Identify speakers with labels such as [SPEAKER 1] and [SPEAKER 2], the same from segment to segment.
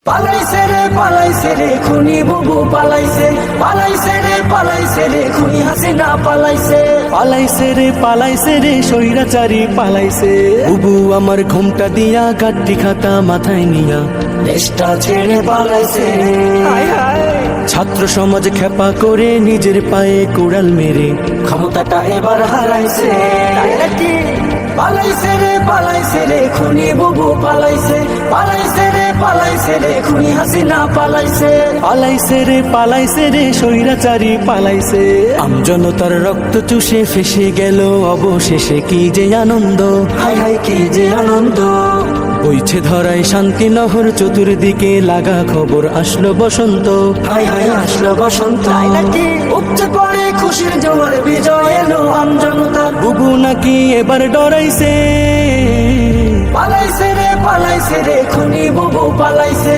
[SPEAKER 1] পালাইছে রে খুনি বুবু পালাইছে রে খুনি হাসিনা
[SPEAKER 2] পালাইছে রে স্বৈরাচারী পালাইছে। বুবু আমার ঘুমটা দিয়া গাড্ডি খাতা মাথায় নিয়া
[SPEAKER 1] দেশটা ছেড়ে পালাইছে।
[SPEAKER 2] ছাত্র সমাজ খেপা করে নিজের পায়ে কুড়াল মেরে
[SPEAKER 1] ক্ষমতাটা এবার হারাইছে। পালাইছে রে খুনি বুবু পালাইছে রে খুনি হাসিনা
[SPEAKER 2] পালাইছে রে স্বৈরাচারী পালাইছে। আমজনতার রক্ত চুষে ফেসে গেল অবশেষে কি যে আনন্দ,
[SPEAKER 1] হায় হায় কি যে আনন্দ।
[SPEAKER 2] বইছে ধরায় শান্তি নহর চতুর্দিকে লাগা খবর আসলো বসন্ত,
[SPEAKER 1] হায় হায় আসলো বসন্ত। উপচে পড়ে খুশির জোয়ার বিজয় এলো আমজনতার।
[SPEAKER 2] বুবু নাকি এবার ডরাইছে।
[SPEAKER 1] পালাইছে রে খুনি বুবু পালাইছে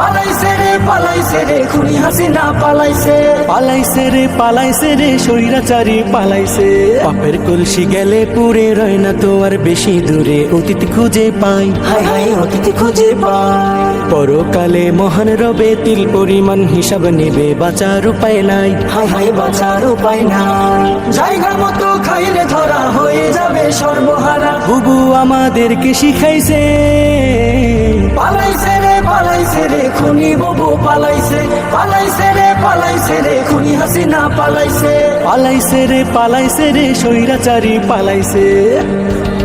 [SPEAKER 1] রে খুনি হাসিনা
[SPEAKER 2] পালাইছে রে স্বৈরাচারী পালাইছে। পাপের কলসি গেলে পুরে রয় না তো আর বেশি দূরে, অতীত খুঁজে পাই,
[SPEAKER 1] হায় হায় অতীত খুঁজে পাই।
[SPEAKER 2] পরকালে মহান রবে তিল পরিমাণ হিসাব নেবে, বাঁচার উপায় নাই,
[SPEAKER 1] হায় হায় বাঁচার উপায় নাই। জায়গা মতো খাইলে ধরা হয়ে যাবে সর্বহারা।
[SPEAKER 2] বুবু আমাদেরকে শিখাইছে।
[SPEAKER 1] পালাইছে রে খুনি বুবু পালাইছে রে খুনি হাসিনা
[SPEAKER 2] পালাইছে রে স্বৈরাচারী পালাইছে।